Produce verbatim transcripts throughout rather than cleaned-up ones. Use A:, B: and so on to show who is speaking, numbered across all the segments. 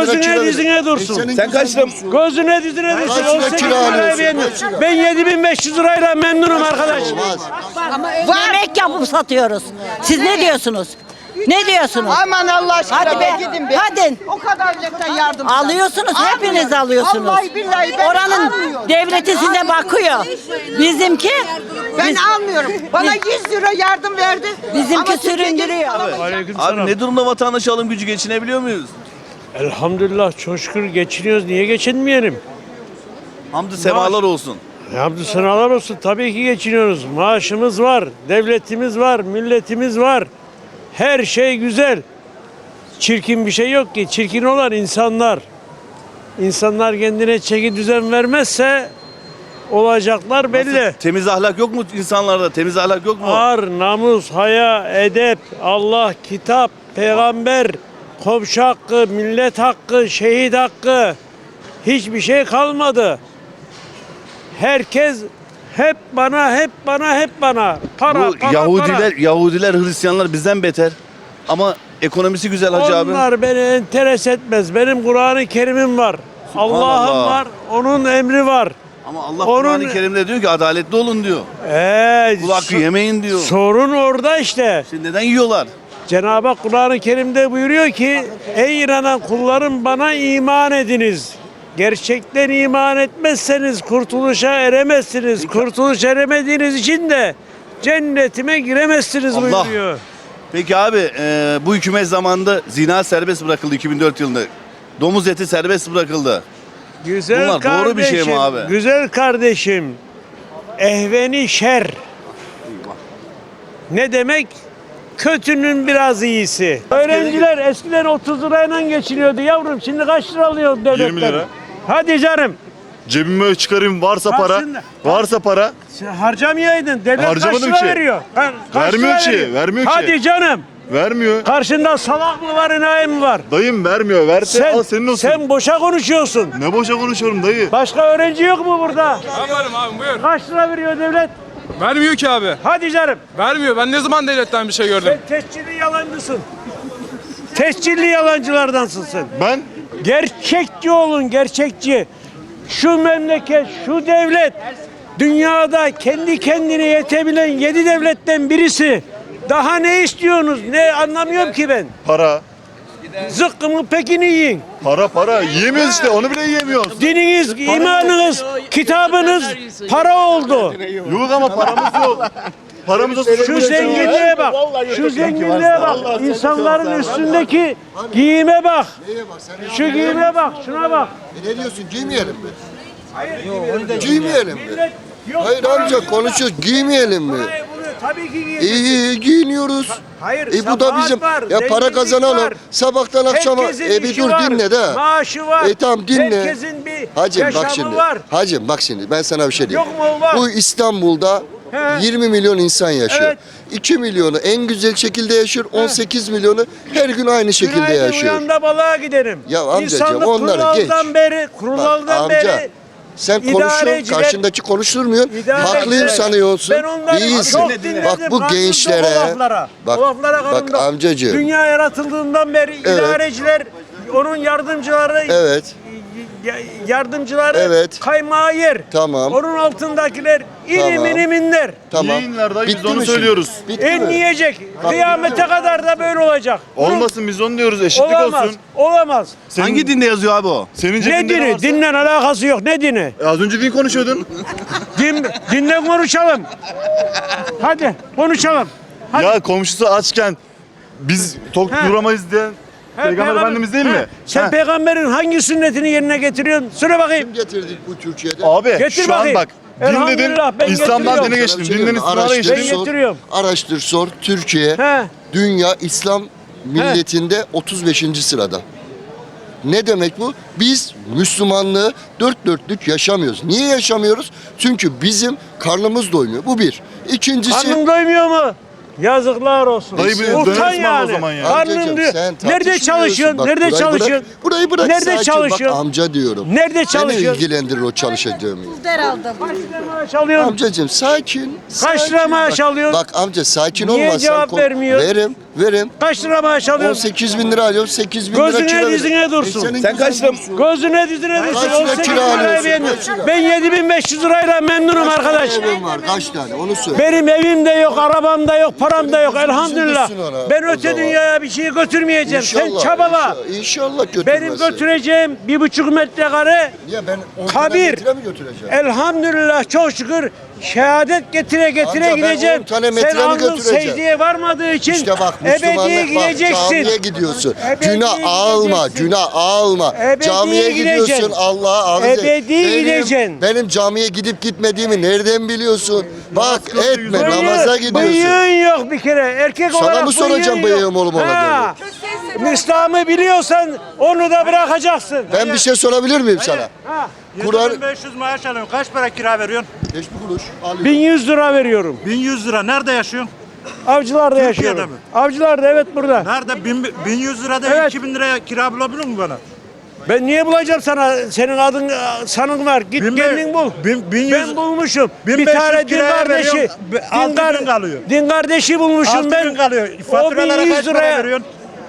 A: gözüne dizine dursun.
B: Sen kaç lira?
A: Gözüne dizine dursun.
C: lira
A: on sekiz
C: kira
A: liraya
C: alıyorsun?
A: beğendim.
C: Kaç lira?
A: Ben yedi bin beş yüz lirayla memnunum arkadaş.
D: Yemek yapıp satıyoruz. Siz ne diyorsunuz? Ne diyorsunuz?
E: Aman Allah aşkına
D: Hadi be,
E: gidin be.
D: hadi.
E: O kadar milletten yardım.
D: Alıyorsunuz, hepiniz alıyorsunuz.
E: Vallahi billahi ben
D: Oranın
E: almıyorum.
D: devleti size bakıyor. Bizimki
E: Ben
D: biz-
E: almıyorum. Bana yüz lira yardım verdi.
D: Bizimki
E: Ama Türkiye'de
D: süründürüyor.
E: alamayacağım.
B: Abi
A: Aleykümselam.
B: ne durumda vatandaş alım gücü, geçinebiliyor muyuz?
A: Elhamdülillah çok şükür geçiniyoruz. Niye geçinmeyelim?
B: Hamdü semalar olsun.
A: Hamdü senalar olsun. Tabii ki geçiniyoruz. Maaşımız var, devletimiz var, milletimiz var. Her şey güzel. Çirkin bir şey yok ki. Çirkin olan insanlar. İnsanlar kendine çeki düzen vermezse olacaklar belli.
B: Temiz ahlak yok mu insanlarda? Temiz ahlak yok mu?
A: Ar, namus, haya, edep, Allah, kitap, peygamber, komşu hakkı, millet hakkı, şehit hakkı hiçbir şey kalmadı. Herkes hep bana, hep bana, hep bana. Para,
B: Bu
A: para,
B: Yahudiler,
A: para.
B: Yahudiler, Hristiyanlar bizden beter. Ama ekonomisi güzel hacı abi.
A: Onlar beni enteres etmez. Benim Kur'an-ı Kerim'im var.
B: Subhanallah.
A: Allah'ım var, onun emri var.
B: Ama Allah
A: Onun-
B: Kur'an-ı Kerim'de diyor ki adaletli olun diyor.
A: Ee,
B: Kul hakkı
A: so-
B: yemeyin diyor.
A: Sorun orada işte.
B: Şimdi neden yiyorlar?
A: Cenab-ı Hak Kur'an-ı Kerim'de buyuruyor ki ey inanan kullarım bana iman ediniz. Gerçekten iman etmezseniz kurtuluşa eremezsiniz. Kurtuluş eremediğiniz için de cennetime giremezsiniz
B: Allah.
A: buyuruyor.
B: Peki abi e, bu hükümet zamanında zina serbest bırakıldı iki bin dört yılında. Domuz eti serbest bırakıldı.
A: Güzel
B: Bunlar doğru bir şey mi
A: kardeşim,
B: abi?
A: Güzel kardeşim. Ehveni şer. Ne demek? Kötünün biraz iyisi. Öğrenciler eskiden otuz lirayla geçiniyordu yavrum. Şimdi kaç lira alıyor devletten?
F: yirmi lira.
A: Hadi canım.
F: Cebime çıkarayım varsa para.
A: Aslında-
F: Varsa para.
A: Sen harcamayaydın. Devlet kaç
F: Harcamadım
A: lira
F: ki.
A: veriyor? Ha, kaç
F: Vermiyor
A: lira
F: ki,
A: veriyor?
F: vermiyor ki.
A: Hadi canım.
F: Vermiyor.
A: Karşında salak mı var, enayi mi var?
F: Dayım vermiyor. Verse
A: Sen,
F: al senin olsun.
A: sen boşa konuşuyorsun.
F: Ne boşa konuşuyorum dayı.
A: Başka öğrenci yok mu burada?
G: Ben varım abi buyur.
A: Kaç lira veriyor devlet?
G: Vermiyor ki abi.
A: Hadi canım.
G: Vermiyor. Ben ne zaman devletten bir şey gördüm?
A: Sen tescilli yalancısın. Tescilli yalancılardansın sen.
F: Ben
A: Gerçekçi olun, gerçekçi. Şu memleket, şu devlet dünyada kendi kendine yetebilen yedi devletten birisi. Daha ne istiyorsunuz? Ne anlamıyorum ki ben.
F: para.
A: Zıkkımı pekini yiyin.
F: Para para. Yiyemiyoruz işte. Onu bile yiyemiyoruz.
A: Dininiz, imanınız, kitabınız para oldu.
F: Yok ama paramız yok. Paramız olsa
A: Şu zenginliğe bak. Şu zenginliğe bak. İnsanların üstündeki giyime bak. Şu giyime bak. Şuna bak.
C: E ne diyorsun, giymeyelim mi? Giymeyelim mi?
A: Millet yok.
C: Hayır amca konuşuyoruz, giymeyelim mi?
A: Parayı buluyor. Tabii ki
C: İyi
A: giyecek.
C: iyi giyiniyoruz.
A: Hayır,
C: E bu da
A: sabahat
C: bizim
A: var,
C: ya para
A: zenginlik
C: kazanalım.
A: var.
C: Sabahtan akşama
A: Herkesin
C: e bir
A: işi
C: dur
A: var,
C: dinle de.
A: maaşı var.
C: E tamam dinle.
A: Herkesin bir
C: Hacım
A: yaşamı
C: bak şimdi.
A: var.
C: Hacım bak şimdi ben sana bir şey diyeyim.
A: Yok mu? Var.
C: Bu İstanbul'da
A: He.
C: yirmi milyon insan yaşıyor.
A: Evet.
C: iki milyonu en güzel şekilde yaşıyor. on sekiz milyonu her gün aynı şekilde
A: Günaydın,
C: yaşıyor.
A: uyanda balığa giderim.
C: Ya amcacığım,
A: İnsanlık
C: onları
A: kuraldan
C: geç.
A: beri,
C: Bak
A: kuraldan
C: amca
A: beri
C: sen konuşuyorsun,
A: idareciler-
C: karşındaki konuşturmuyorsun.
A: İdareciler-
C: Haklıyım sanıyorsun.
A: Ben onları
C: Değilsin.
A: çok dinledim.
C: Bak bu
A: Rahatsız
C: gençlere,
A: o laflara.
C: bak,
A: O laflara
C: bak
A: kanımda.
C: amcacığım.
A: Dünya yaratıldığından beri
C: Evet.
A: idareciler, onun yardımcıları,
C: Evet.
A: ya- yardımcıları
C: Evet.
A: kaymağı yer.
C: Tamam.
A: Onun altındakiler inim
C: Tamam.
A: inim inler.
C: Tamam.
F: Yayınlar dayı, biz
C: Bitti
F: onu
C: mi şimdi?
F: söylüyoruz.
C: Bitti
A: En
C: mi?
A: yiyecek. Kıyamete kadar da böyle olacak.
F: Olmasın biz onu diyoruz. Eşitlik
A: Olamaz.
F: olsun.
A: Olamaz.
F: Senin,
B: Hangi dinde yazıyor abi o?
F: Senin
A: Ne
F: cebinde
A: dini?
F: varsa-
A: Dinle alakası yok. Ne dini?
F: E, az önce din konuşuyordun.
A: Din, dinle konuşalım. Hadi konuşalım. Hadi.
F: Ya komşusu açken biz tok
A: He.
F: duramayız diyen
A: He,
F: Peygamber Efendimiz değil
A: He,
F: mi?
A: Sen
F: He.
A: peygamberin hangi sünnetini yerine getiriyorsun? Söyle bakayım.
C: Kim getirdik bu Türkiye'de?
F: Abi
A: Getir
F: şu an
A: bakayım.
F: bak din dedin
A: Elhamdülillah, ben
F: İslam'dan
A: getiriyorum.
F: dine
C: Sana
F: geçtim.
C: bir şey
F: Dinden
C: diyeyim mi?
F: İslam'a
C: Araştır,
F: geçtim.
A: Ben
C: sor.
A: getiriyorum.
C: Araştır sor. Türkiye
A: He.
C: dünya İslam milletinde otuz beşinci sırada. Ne demek bu? Biz Müslümanlığı dört dörtlük yaşamıyoruz. Niye yaşamıyoruz? Çünkü bizim karnımız doymuyor. Bu bir. İkincisi
A: Karnın doymuyor mu? Yazıklar olsun.
F: Dayı bir
C: Sen-
A: Utan
F: döner ısmarla
A: yani.
F: o zaman ya.
A: Karnın
C: Amcacığım,
A: diyor.
C: sen
A: Nerede
C: tartışmıyorsun.
A: çalışıyorsun?
C: Bak,
A: Nerede
C: burayı
A: çalışıyorsun?
C: Bırak, burayı bırak.
A: Nerede
C: sakin.
A: çalışıyorsun?
C: Bak amca diyorum.
A: Nerede
C: Beni
A: çalışıyorsun?
C: ilgilendirir o çalışacağım.
D: Der aldım.
A: Kaç lira maaş alıyorsun?
C: Amcacığım sakin.
A: Kaç
C: sakin.
A: lira maaş
C: Bak-
A: alıyorsun?
C: Bak amca sakin
A: Niye
C: olmazsan
A: cevap
C: kon-
A: vermiyor?
C: Verim. Verim.
A: Kaç lira maaş
C: on
A: alıyorsun?
C: sekiz bin lira alıyorum. sekiz bin lira
A: Gözüne
C: kira
A: dizine
C: veriyorum.
A: dursun.
C: senin
B: Sen kaç
C: güzel
B: lira-
C: dursun.
A: Gözüne dizine
C: Kaç
A: dursun.
C: lira
A: on sekiz
C: kira
A: liraya
C: alıyorsun?
A: beğendim.
C: Kaç lira?
A: Ben yedi bin beş yüz lirayla memnunum arkadaş.
C: Evin var kaç tane onu söyle.
A: Benim evim de yok, arabam da yok, param da yok elhamdülillah.
C: üzülürsün ona
A: Ben
C: o
A: öte
C: zaman.
A: dünyaya bir şey götürmeyeceğim. Sen
C: İnşallah,
A: çabala.
C: inşallah, İnşallah götürmesin.
A: Benim götüreceğim bir buçuk metrekare
C: Niye ben on
A: kabir.
C: metre mi götüreceğim?
A: Elhamdülillah çok şükür şehadet getire getire
C: Amca ben
A: gideceğim.
C: on tane metre
A: Sen
C: mi
A: alnın
C: götüreceğim?
A: secdeye varmadığı için
C: İşte bak
A: ebediye
C: Müslümanlık bak
A: gideceksin.
C: camiye gidiyorsun.
A: Ebediye
C: Günah alma,
A: gideceksin.
C: günah alma.
A: Ebediye
C: Camiye gidiyorsun
A: gideceksin.
C: Allah'a arz et.
A: Ebediye
C: Benim-
A: gideceksin.
C: Benim camiye gidip gitmediğimi nereden biliyorsun? Bak etme
A: Bıyığı-
C: namaza gidiyorsun.
A: Bıyığın yok bir kere. Erkek
C: Sana
A: olarak
C: mı soracağım
A: bıyığın yok.
C: bıyığım olup
A: Ha. İslam'ı biliyorsan onu da bırakacaksın.
C: Ben bir şey sorabilir miyim sana?
A: Ha.
C: Kur'an
H: beş yüz maaş alıyorum. Kaç para kira veriyorsun?
C: hiçbir kuruş alıyorum.
A: bin yüz lira veriyorum.
H: bin yüz lira. Nerede yaşıyorsun?
A: Avcılarda
H: Türkiye'de
A: yaşıyorum.
H: mi?
A: Avcılarda evet burada.
H: Nerede? bin, bin yüz lirada
A: Evet.
H: iki bin liraya kira bulabilir mi bana?
A: Ben niye bulacağım sana? Senin adın sanın var. Git
H: Bin be-
A: kendin bul.
H: bin- bin yüz-
A: ben bulmuşum.
H: bin
A: Bir
H: beş yüz
A: tane din
H: kiraya
A: kardeşi.
H: veriyorum, be- altı
A: Din, kar-
H: bin kalıyor.
A: din kardeşi bulmuşum
H: altı
A: ben.
H: bin kalıyor.
A: O
H: Faturalara
A: bin
H: kaç
A: yüz
H: para
A: liraya.
H: veriyorsun?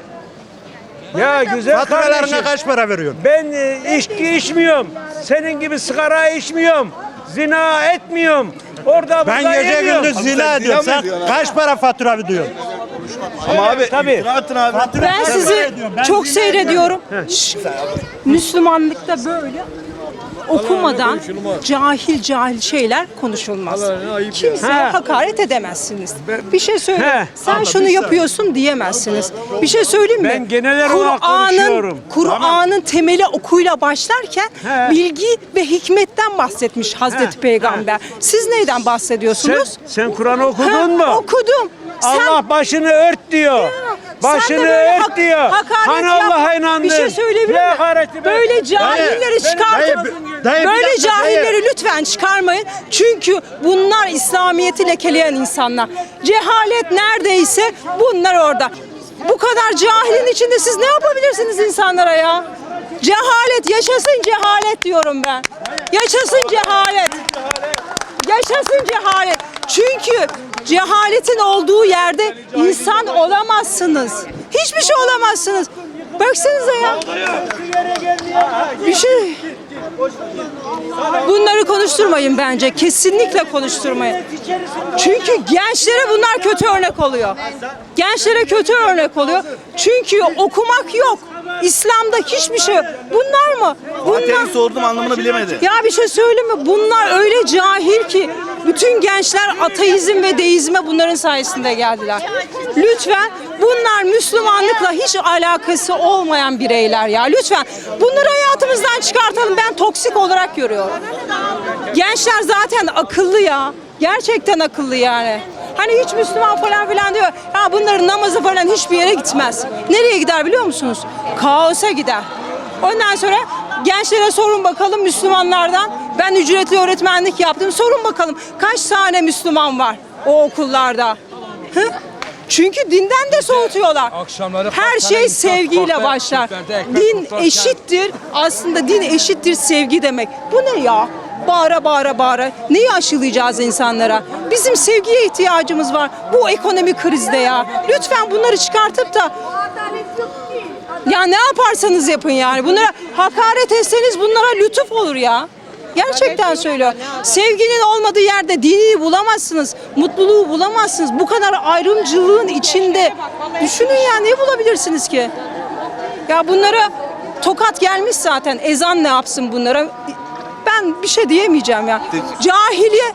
A: Ya güzel
H: Faturalarına
A: kardeşim.
H: kaç para veriyorsun?
A: Ben e, içki içmiyorum. Senin gibi sigara içmiyorum. Zina etmiyorum. Orada
H: Ben
A: burada
H: gece
A: yemiyorum.
H: gündüz zina
B: zina
H: ediyorum.
B: mı
H: Sen
B: ediyorsun abi?
H: kaç para fatura ödüyorsun?
B: Ama abi
A: tabii.
B: iftira attın abi.
I: Ben sizi çok seyrediyorum. Şşş. Müslümanlıkta böyle okumadan cahil cahil şeyler konuşulmaz. Kimseye
A: Ha.
I: hakaret edemezsiniz. Bir şey söyle.
A: He.
I: Sen şunu yapıyorsun diyemezsiniz. Bir şey söyleyeyim mi?
A: Ben genel olarak konuşuyorum.
I: Kur'an'ın temeli okuyla başlarken
A: He.
I: bilgi ve hikmetten bahsetmiş Hazreti
A: He.
I: Peygamber. Siz neyden
A: Sen,
I: bahsediyorsunuz?
A: sen Kur'an'ı okudun
I: Ha,
A: mu?
I: Okudum. Sen
A: Allah başını ört diyor.
I: Sen de
A: Başını
I: böyle
A: ört
I: hak-
A: diyor.
I: hakaret
A: Hani
I: yap-
A: Allah'a inandın.
I: Bir şey söyleyebilir
A: Ne
I: miyim?
A: hakareti be?
I: Böyle cahilleri
A: Dayı,
I: çıkartıp
H: dayı, dayı, bir
I: böyle
H: dakika,
I: cahilleri lütfen çıkarmayın. Çünkü bunlar İslamiyet'i lekeleyen insanlar. Cehalet neredeyse bunlar orada. Bu kadar cahilin içinde siz ne yapabilirsiniz insanlara ya? Cehalet, yaşasın cehalet diyorum ben. Yaşasın cehalet. Yaşasın cehalet. Çünkü cehaletin olduğu yerde insan olamazsınız. Hiçbir şey olamazsınız. Baksanıza ya. Bir şey... Bunları konuşturmayın bence. Kesinlikle konuşturmayın. Çünkü gençlere bunlar kötü örnek oluyor. Gençlere kötü örnek oluyor. Çünkü okumak yok. İslam'da hiçbir şey yok. Bunlar mı? Bunlar...
B: Fatiha'yı sordum anlamını bilemedi.
I: Ya bir şey söyleyeyim mi? Bunlar öyle cahil ki bütün gençler ateizm ve deizme bunların sayesinde geldiler. Lütfen bunlar Müslümanlıkla hiç alakası olmayan bireyler ya. Lütfen bunları hayatımızdan çıkartalım. Ben toksik olarak görüyorum. Gençler zaten akıllı ya. Gerçekten akıllı yani. Hani hiç Müslüman falan filan diyor. Ya bunların namazı falan hiçbir yere gitmez. Nereye gider biliyor musunuz? Kaosa gider. Ondan sonra gençlere sorun bakalım Müslümanlardan. Ben ücretli öğretmenlik yaptım. Sorun bakalım kaç tane Müslüman var o okullarda? Hı? Çünkü dinden de soğutuyorlar.
G: Akşamları
I: Her
G: kalkana
I: şey
G: insan
I: sevgiyle
G: kahve,
I: başlar.
G: küflerde ekmek
I: Din
G: tutarken-
I: eşittir. Aslında din eşittir sevgi demek. Bu ne ya? Bağıra bağıra bağıra. Neyi aşılayacağız insanlara? Bizim sevgiye ihtiyacımız var. Bu ekonomik krizde ya. Lütfen bunları çıkartıp da ya ne yaparsanız yapın yani. Bunlara hakaret etseniz bunlara lütuf olur ya. Gerçekten söylüyorum. Sevginin olmadığı yerde dini bulamazsınız. Mutluluğu bulamazsınız. Bu kadar ayrımcılığın içinde düşünün ya ne bulabilirsiniz ki? Ya bunlara tokat gelmiş zaten. Ezan ne yapsın bunlara? Ben bir şey diyemeyeceğim ya. Cahiliye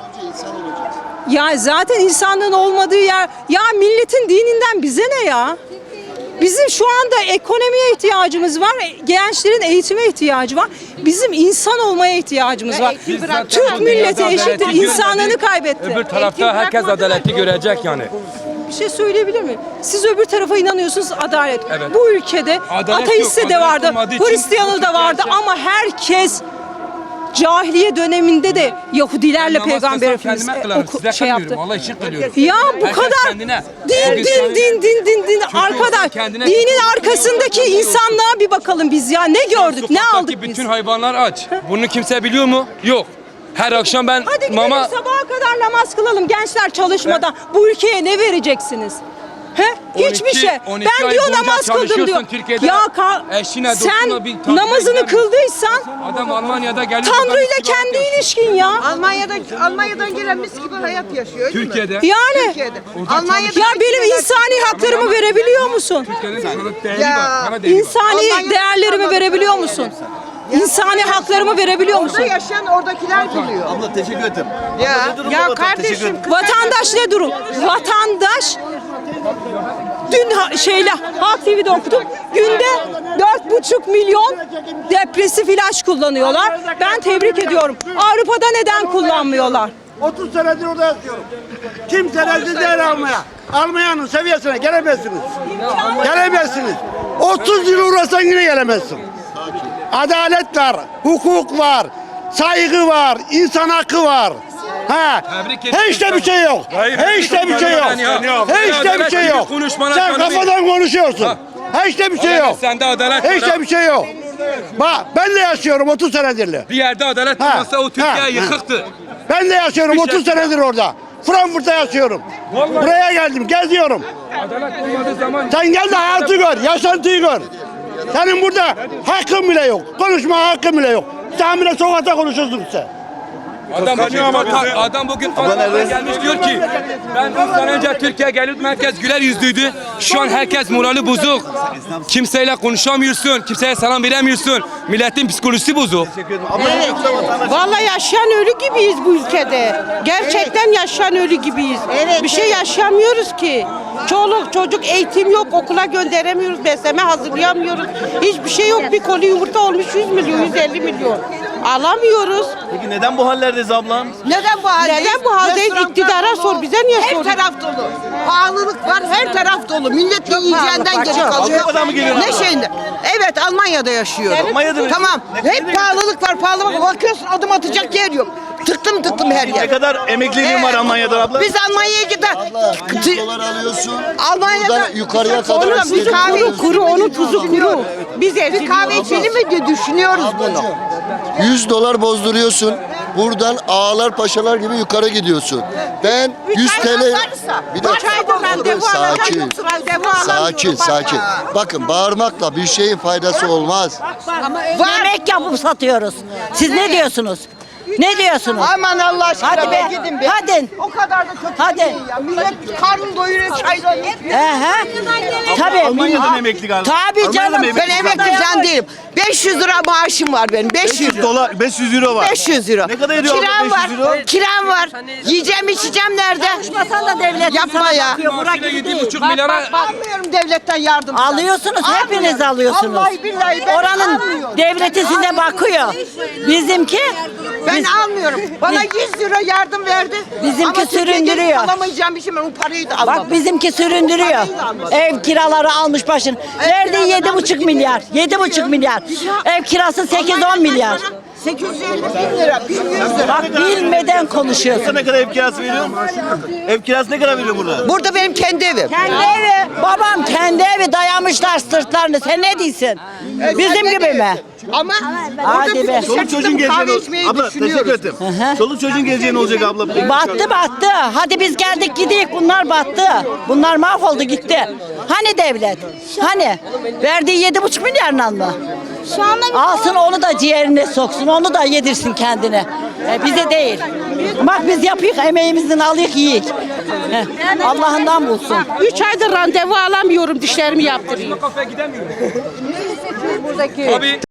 I: ya zaten insanlığın olmadığı yer. Ya milletin dininden bize ne ya? Bizim şu anda ekonomiye ihtiyacımız var. Gençlerin eğitime ihtiyacı var. Bizim insan olmaya ihtiyacımız var. Türk milleti eşittir. İnsanlığını kaybetti.
J: Öbür tarafta herkes adaleti görecek yani.
I: Bir şey söyleyebilir miyim? Siz öbür tarafa inanıyorsunuz adalet.
J: Evet.
I: Bu ülkede
J: Adalet
I: ateist
J: yok,
I: de
J: adalet
I: vardı,
J: olmadığı için
I: Hristiyanı da vardı
J: gerçek-
I: ama herkes cahiliye döneminde de Yahudilerle
J: Ben namaz
I: Peygamber
J: kılsam
I: Efendimiz
J: kendime
I: e,
J: kılarım,
I: oku-
J: size
I: şey
J: kılmıyorum.
I: yaptı.
J: Allah için kılıyorum.
I: Ya bu
J: Herkes
I: kadar
J: kendine.
I: din
J: Herkes
I: din
J: kendine.
I: din din din din
J: olsa
I: arkadaş
J: kendine-
I: dinin arkasındaki insanlığa bir bakalım biz ya ne gördük ne
J: Sokaktaki
I: aldık biz.
J: bütün hayvanlar aç. Bunu kimse biliyor mu? Yok. Her akşam ben
I: Hadi gidelim
J: mama
I: sabaha kadar namaz kılalım gençler çalışmadan. Bu ülkeye ne vereceksiniz? He? Hiçbir
J: on iki
I: şey.
J: on iki
I: Ben
J: ay
I: diyor
J: boyunca
I: namaz kıldım diyor.
J: çalışıyorsun Türkiye'de.
I: Ya ka-
J: Eşine,
I: sen
J: dostuna bir tatile
I: namazını
J: gider misin?
I: kıldıysan
J: Adam Almanya'da geliyor.
I: Tanrı
J: buradan
I: ile
J: istifa
I: kendi
J: ediyor.
I: ilişkin ya.
E: Almanya'da Almanya'dan gelen mis gibi hayat yaşıyor değil mi?
J: Türkiye'de.
I: Yani
E: Türkiye'de. Almanya'da
I: ya benim insani haklarımı verebiliyor musun?
J: Türkiye'nin sana değeri
E: Ya,
J: var. Sana değeri var.
I: İnsani
E: Almanya'da
I: değerlerimi
E: kalmadı.
I: verebiliyor musun? İnsani haklarımı verebiliyor
E: Orada
I: musun?
E: yaşayan oradakiler biliyor.
B: Abla teşekkür ederim.
E: Ya,
B: Ne durumda
E: ya
B: vatan? Teşekkür
E: kardeşim
B: ederim.
I: Vatandaş ne durum? Vatandaş dün ha- şeyle Halk T V'de okudum. Günde dört buçuk milyon depresif ilaç kullanıyorlar. Ben tebrik ediyorum. Avrupa'da neden kullanmıyorlar?
H: otuz senedir orada yatıyorum. Kimse rezil değil almaya. Almayanın seviyesine gelemezsiniz. Gelemezsiniz. otuz yıl uğraşsan yine gelemezsin. Adalet var, hukuk var, saygı var, insan hakkı var. Ha,
J: Tebrik ederim.
H: hiç de bir şey yok. Hiç de bir şey yok. Hiç de bir şey yok. Sen kafadan konuşuyorsun. Hiç de bir şey yok.
J: Sende adalet
H: Hiç
J: var.
H: de bir şey yok. Bak ben de yaşıyorum otuz senedirli.
J: Bir yerde adalet
H: Ha,
J: olmasa o Türkiye
H: ha,
J: yıkıktı.
H: Ben de yaşıyorum
J: Bir
H: otuz
J: şey-
H: senedir orada. Frankfurt'ta yaşıyorum. Buraya geldim, geziyorum.
J: Adalet olmadığı zaman
H: Sen gel de hayatı gör, yaşantıyı gör. Senin burada hakkın bile yok. Konuşma hakkın bile yok. Sen bile sokakta konuşuyorsun sen.
J: Adam bugün, Fata- adam bugün Fatih'e gelmiş diyor ki ben on sene önce Türkiye geliyordum, herkes güler yüzlüydü. Şu an herkes morali bozuk. Kimseyle konuşamıyorsun, kimseye selam veremiyorsun. Milletin psikolojisi bozuk.
E: Evet. Vallahi yaşayan ölü gibiyiz bu ülkede. Gerçekten yaşayan ölü gibiyiz. Bir şey yaşamıyoruz ki. Çoluk çocuk eğitim yok, okula gönderemiyoruz, besleme hazırlayamıyoruz. Hiçbir şey yok. Bir koli yumurta olmuş yüz milyon, yüz elli milyon. Alamıyoruz.
B: Peki neden bu hallerdeyiz ablam?
E: Neden bu haldeyiz?
I: Neden bu haldeyiz?
E: Restoranlar
I: İktidara
E: dolu.
I: sor, bize niye
E: Her
I: soruyorsun?
E: taraf dolu. Pahalılık var, her taraf dolu. Millet yiyeceğinden geri kalıyor.
B: Avrupa'dan mı geliyor
E: Ne
B: abla?
E: şeyinde? Evet, Almanya'da yaşıyorum.
B: Almanya'da mı?
E: Tamam.
B: Ne-
E: Hep
B: ne-
E: pahalılık var, pahalılık var. Bakıyorsun adım atacak yer yok. Tıktım tıktım her
B: Ne
E: yer.
B: kadar emekliliğin var Almanya'da abla?
E: Biz Almanya'ya gider.
C: yüz dolar alıyorsun.
E: Almanya'da
C: Buradan yukarıya kadar
E: Onun
C: istediğin
E: tuzu kahve
C: alıyorsun.
E: kuru, onun tuzu kuru. Biz bir kahve içelim mi diye düşünüyoruz bunu.
C: yüz dolar bozduruyorsun. Buradan ağalar paşalar gibi yukarı gidiyorsun. Ben yüz T L. Bir dakika. Sakin. Sakin, sakin. Bakın bağırmakla bir şeyin faydası olmaz.
D: Yemek yapıp satıyoruz. Siz ne diyorsunuz? Ne diyorsunuz?
E: Aman Allah aşkına
D: Hadi be,
E: gidin be.
D: hadi.
E: O kadar da kötü
D: Hadi.
E: değil ya. Millet karnını doyuruyor çayla.
D: He he. Tabii.
B: Almanya'da mı emekli galiba?
D: Tabii
B: Almanya'da
D: canım.
B: mı emekli?
E: Ben emekli falan değilim. beş yüz lira maaşım var benim. beş yüz
B: dolar, beş yüz euro var.
E: beş yüz euro.
B: Ne kadar ediyor abla
E: Kiram
B: beş yüz euro?
E: var. Kiram var. Yiyeceğim içeceğim nerede?
D: Konuşmasan da devlet
E: Yapma
D: sana
E: ya.
D: bakıyor. Burak
J: Maaşıyla
D: gibi
J: yedi
D: değil.
J: buçuk milyara
E: Almıyorum devletten yardım.
D: Alıyorsunuz, hepiniz alıyorsunuz.
E: Vallahi billahi ben
D: Oranın
E: almıyorum.
D: devleti size bakıyor. Bizimki
E: Ben
D: biz-
E: almıyorum. Bana yüz lira yardım verdi.
D: Bizimki
E: Ama Türkiye'ye
D: süründürüyor.
E: gelip alamayacağım bir şey, ben o parayı da almadım.
D: Bak bizimki süründürüyor. Ev kiraları almış başını. Verdiği yedi buçuk milyar. Yedi buçuk milyar. Ev kirası sekiz on milyar.
E: sekiz yüz elli bin lira, bin yüz lira.
D: Bak bilmeden konuşuyorsun.
B: Ne kadar ev kirası veriyor? Ev kirası ne kadar veriyor burada?
E: Burada benim kendi evim.
D: Kendi evi. Babam kendi evi dayamışlar sırtlarını. Sen ne diyorsun? Bizim gibi mi?
E: Ama
D: Hadi
E: orada
D: be.
E: bir
B: Çoluk çocuğun
E: kahve
B: geleceği
E: içmeyi
B: abla teşekkür
E: düşünüyoruz.
B: ederim. Çoluk çocuğun geleceği ne olacak abla?
D: Battı battı. Hadi biz geldik gidik. Bunlar battı. Bunlar mahvoldu gitti. Hani devlet? Hani? Verdiği yedi buçuk milyarla mı?
I: Şu anda
D: Alsın onu da ciğerine soksun. Onu da yedirsin kendine. E, bize değil. Bak biz yapıyık emeğimizden alıyık yiyik. Heh, Allah'ından bulsun.
I: üç aydır randevu alamıyorum dişlerimi yaptırayım.
J: kafeye gidemiyor.
I: Buradaki
J: Abi